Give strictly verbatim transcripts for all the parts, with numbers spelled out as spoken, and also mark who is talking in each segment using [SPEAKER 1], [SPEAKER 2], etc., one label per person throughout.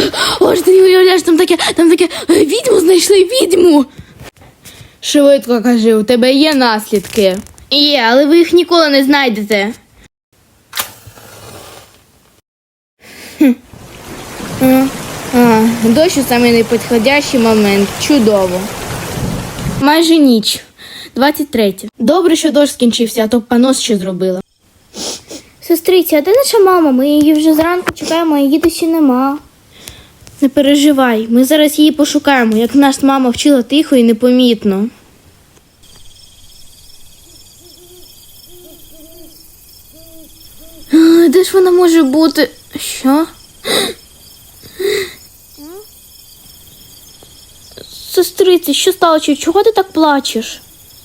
[SPEAKER 1] Ось ти не уявляєш, там таке, там таке, відьму знайшли, відьму. Швидко кажи, у тебе є наслідки? Є, але ви їх ніколи не знайдете. Хм. А, а, дощ у самий непідходящий момент. Чудово. Майже ніч. двадцять третє. Добре, що дощ скінчився, а то б понос ще зробила.
[SPEAKER 2] Сестриця, а де наша мама? Ми її вже зранку чекаємо, а її досі нема.
[SPEAKER 1] Не переживай, ми зараз її пошукаємо, як нас мама вчила тихо і непомітно. А, де ж вона може бути? Що?
[SPEAKER 2] Сестриці, що сталося? Чого ти так плачеш?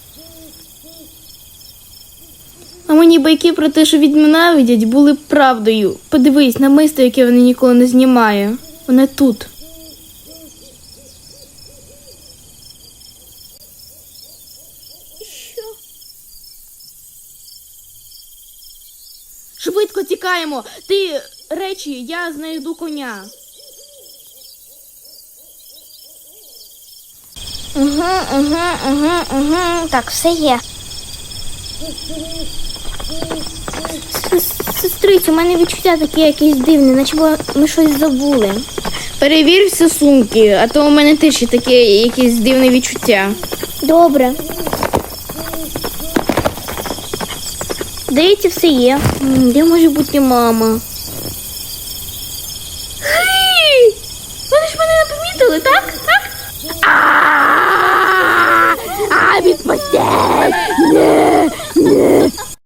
[SPEAKER 1] А мені байки про те, що відьми ненавидять, були правдою. Подивись, намисто, яке вона ніколи не знімає. Воно тут.
[SPEAKER 2] Що?
[SPEAKER 1] Швидко тікаємо! Ти речі, я знайду коня.
[SPEAKER 2] Угу, угу, угу, угу. Так, все є. Сестрицю, у мене відчуття такі якісь дивні, наче ми щось забули.
[SPEAKER 1] Перевір всі сумки, а то у мене теж є таке якесь дивне відчуття.
[SPEAKER 2] Добре. Здається, все є.
[SPEAKER 1] М, Де може бути мама?